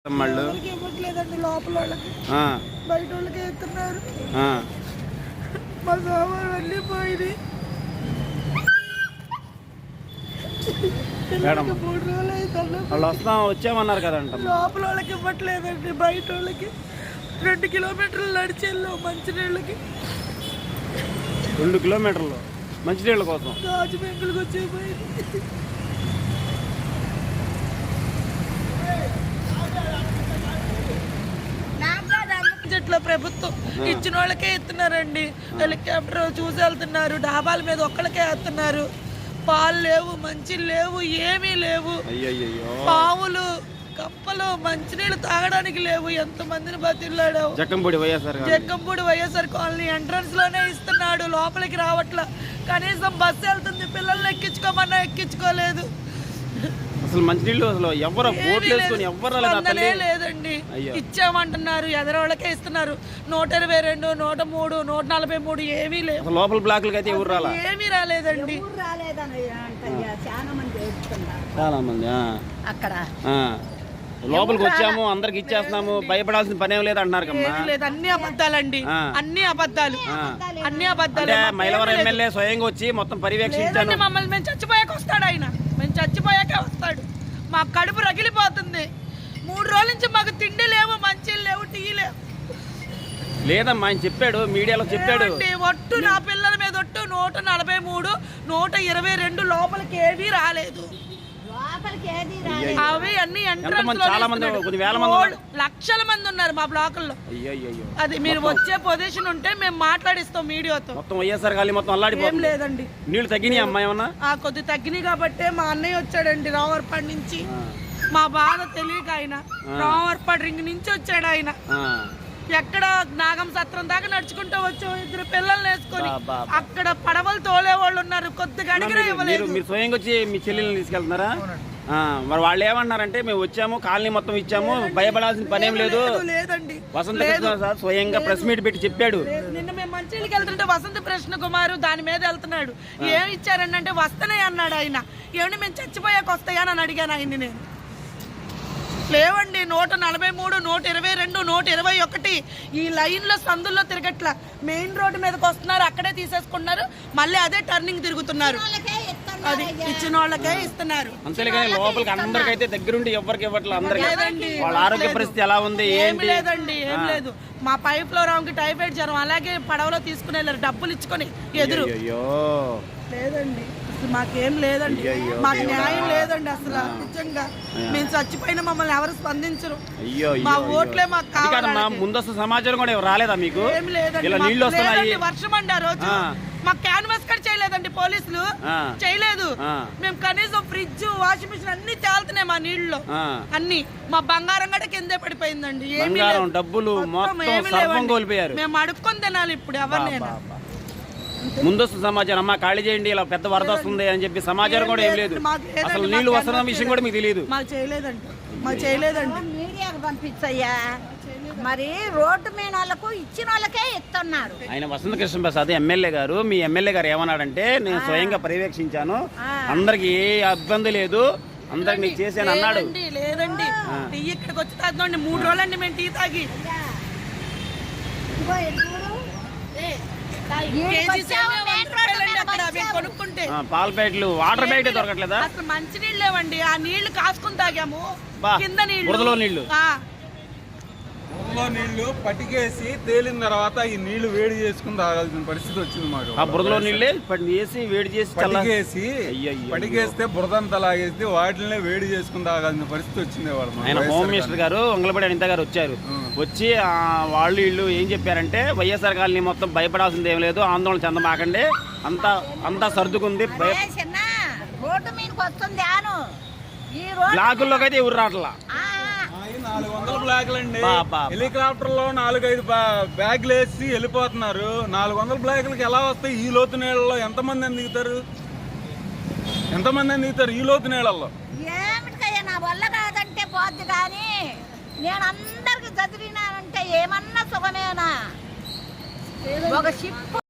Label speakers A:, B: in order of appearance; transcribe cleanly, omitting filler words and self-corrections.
A: ఇవ్వట్లేదండి లోపల వాళ్ళకి, బయట వాళ్ళకి ఎత్తున్నారు. మా సామాన్ అన్నీ పోయింది. 3 రోజులు అయితే
B: వచ్చామన్నారు కదంట.
A: లోపల వాళ్ళకి ఇవ్వట్లేదండి, బయట వాళ్ళకి 2 కిలోమీటర్లు నడిచేళ్ళు మంచినీళ్ళకి.
B: 2 కిలోమీటర్లు మంచినీళ్ళ కోసం
A: గాజు బెంకులకు వచ్చేపోయింది. చెట్ల ప్రభుత్వం ఇచ్చిన వాళ్ళకే ఎత్తున్నారండి. హెలికాప్టర్ చూసి వెళ్తున్నారు, డాబాల మీద ఒక్కళ్ళకే వేస్తున్నారు. పాలు లేవు, మంచి లేవు, ఏమీ లేవు. పావులు కప్పలు మంచినీళ్ళు తాగడానికి లేవు. ఎంతమందిని బతిల్లాడు.
B: జక్కంపూడి
A: వైఎస్ఆర్ కాలనీ ఎంట్రన్స్ లోనే ఇస్తున్నాడు, లోపలికి రావట్లా. కనీసం బస్సు వెళ్తుంది, పిల్లల్ని ఎక్కించుకోమన్నా ఎక్కించుకోలేదు.
B: అసలు మంచినీళ్ళు అసలు ఎవరు
A: లేదండి. ఇచ్చామంటున్నారు, ఎదరవాళ్ళకే ఇస్తున్నారు. 122, 103, 143 ఏమీ లేవు.
B: లోపల బ్లాక్లకి అయితే ఎవరు రాలా,
A: ఏమీ రాలేదండి.
B: చాలా మంది
A: అక్కడ
B: లోపలికి వచ్చాము, అందరికి ఇచ్చేస్తున్నాము, భయపడాల్సిన పనేం లేదు అంటున్నారు కదా.
A: అన్ని అబద్ధాలండి, అన్ని అబద్ధాలు.
B: మైలవరం ఎమ్మెల్యే స్వయంగా వచ్చి మొత్తం పర్యవేక్షించాను.
A: మమ్మల్ని మేము చచ్చిపోయాక వస్తాడు ఆయన, మేము చచ్చిపోయాకే వస్తాడు. మా కడుపు రగిలిపోతుంది. 3 రోజుల నుంచి మాకు తిండి లేవు, మంచి లేవు, టీ లేవు.
B: లేదమ్మా ఆయన చెప్పాడు, మీడియాలో చెప్పాడు.
A: ఒట్టు నా పిల్లల మీద ఒట్టు 143, 122 లోపలికి ఏవీ రాలేదు. అవి అన్ని లక్షల మంది ఉన్నారు మా బ్లాకుల్లో. అది మీరు వచ్చే పొజిషన్ ఉంటే మేము మాట్లాడిస్తాం మీడియాతో.
B: ఏం
A: లేదండి,
B: నీళ్ళు తగ్గినాయి అమ్మా ఏమన్నా?
A: కొద్ది తగ్గినాయి కాబట్టే మా అన్నయ్య వచ్చాడండి రావర్పాడు నుంచి. మా బాధ తెలియక ఆయన రావర్పాడు రింగ్ నుంచి వచ్చాడు. ఆయన ఎక్కడ నాగం సత్రం దాకా నడుచుకుంటూ వచ్చాం, 2 పిల్లల్ని వేసుకొని. అక్కడ పడవలు తోలే వాళ్ళు ఉన్నారు, కొద్దిగా అడిగినా ఇవ్వలేదు.
B: మీరు స్వయంగా వచ్చి మీ చెల్లెల్ని తీసుకెళ్తున్నారా? మరి వాళ్ళు ఏమన్నారంటే మేము వచ్చాము, కాలనీ మొత్తం ఇచ్చాము, భయపడాల్సిన పనేం లేదు. వసంత కృష్ణ సార్ స్వయంగా ప్రెస్ మీట్ పెట్టి చెప్పాడు.
A: నిన్న మేము మంచిళ్ళకి వెళ్తుంటే వసంత కృష్ణ కుమార్ దాని మీద వెళ్తున్నాడు. ఏమి ఇచ్చారంటే వస్తానే అన్నాడు ఆయన. ఏమంటే మేము చచ్చిపోయాక వస్తాయా అని అడిగాను ఆయన్ని నేను. లేవండి, 143, 122, 121 ఈ లైన్లో సందుల్లో తిరగట్ల. మెయిన్ రోడ్డు మీదకి వస్తున్నారు, అక్కడే తీసేసుకున్నారు, మళ్ళీ అదే టర్నింగ్ తిరుగుతున్నారు. అది ఇచ్చిన వాళ్ళకే ఇస్తున్నారు.
B: అంతేగాని లోపలికి అందరికైతే దగ్గరుండి ఎవరికి ఇవ్వట్లేదు. అందరికీ వాళ్ళ ఆరోగ్య పరిస్థితి ఎలా ఉంది
A: ఏం లేదండి, ఏం లేదు. మా పైప్ లో రాంకి టైఫాయిడ్ జ్వరం, అలాగే పడవలో తీసుకుని వెళ్ళారు డబ్బులు ఇచ్చుకొని ఎదురు. లేదండి మాకేం లేదండి, మాకు న్యాయం లేదండి అసలు. నిజంగా మేము చచ్చిపోయినా మమ్మల్ని ఎవరు స్పందించరు. మా ఓట్లే మాకు కావాలి.
B: ముందస్తు సమాచారం కూడా రాలేదా మీకు?
A: ఏం లేదండి, వర్షం అండి ఆ రోజు. మాకు క్యాన్వాస్ కట్ చేయలేదండి పోలీసులు, చేయలేదు. మేము కనీసం ఫ్రిడ్జ్, వాషింగ్ మిషన్ అన్ని తేలుతున్నాయి మా నీళ్ళలో. అన్ని మా బంగారం కూడా కిందే పడిపోయిందండి. ఏమీ
B: డబ్బులు
A: మేము అడుక్కొని తినాలి ఇప్పుడు ఎవరినైనా.
B: ముందస్తు సమాచారం అమ్మా ఖాళీ చేయండి, ఇలా పెద్ద వరద వస్తుంది అని చెప్పి సమాచారం కూడా ఏం లేదు. అసలు నీళ్లు వస్తున్న విషయం కూడా మీకు తెలియదు.
A: మాకు చేయలేదండి.
C: మీడియాకు పంపించయ్యా, మరి రోడ్డు మీద వాళ్ళకు ఇచ్చిన వాళ్ళకే ఇస్తున్నారు.
B: ఆయన వసంత కృష్ణ ప్రసాద్ ఎమ్మెల్యే గారు, మీ ఎమ్మెల్యే గారు ఏమన్నాడంటే నేను స్వయంగా పర్యవేక్షించాను, అందరికి ఏ ఇబ్బంది లేదు, అందరికి నీకు చేశాను అన్నాడు.
A: లేదండి, టీ ఇక్కడికి వచ్చి తాగుతాండి 3 రోజులండి మేము టీ తాగి.
B: పాల ప్యాకెట్లు, వాటర్ ప్యాకెట్ దొరకట్లేదా?
A: అసలు మంచి నీళ్ళు లేవండి, ఆ నీళ్లు కాసుకుని తాగాము. కింద
B: బురదలో నీళ్లు
D: పట్టికేసి తేలిన తర్వాత ఈ నీళ్లు వేడి చేసుకుని తాగాల్సిన పరిస్థితి వచ్చింది మాకు.
B: ఆ బురదలో నీళ్ళే వేసి వేడి చేసి
D: పట్టికేస్తే బురదంతా లాగేసి వాటినే వేడి చేసుకుని తాగాల్సిన పరిస్థితి వచ్చింది.
B: ఆయన హోమ్ మినిస్టర్ గారు వంగలపూడి అనిత గారు వచ్చారు. వచ్చి వాళ్ళు వీళ్ళు ఏం చెప్పారంటే వైఎస్ఆర్ కాలనీ మొత్తం భయపడాల్సింది ఏం లేదు, ఆందోళన చెందమాకండి, అంతా సర్దుకుంది. బ్లాకుల్లోకి అయితే ఎవరు రావట్లా.
D: 400 బ్లాక్లు అండి, హెలికాప్టర్ లో 4-5 బ్యాగులు వేసి వెళ్ళిపోతున్నారు. 400 బ్లాకులకి ఎలా వస్తాయి? ఈ లోతు నీళ్ళలో ఎంతమంది దిగుతారు ఈ లోతు నీళ్ళల్లో?
C: ఏమిటికయ్యా నా వల్ల కాదంటే పోద్ది, కానీ నేను అందరికి చదివినానంటే ఏమన్నా సుఖమేనా? ఒక షిప్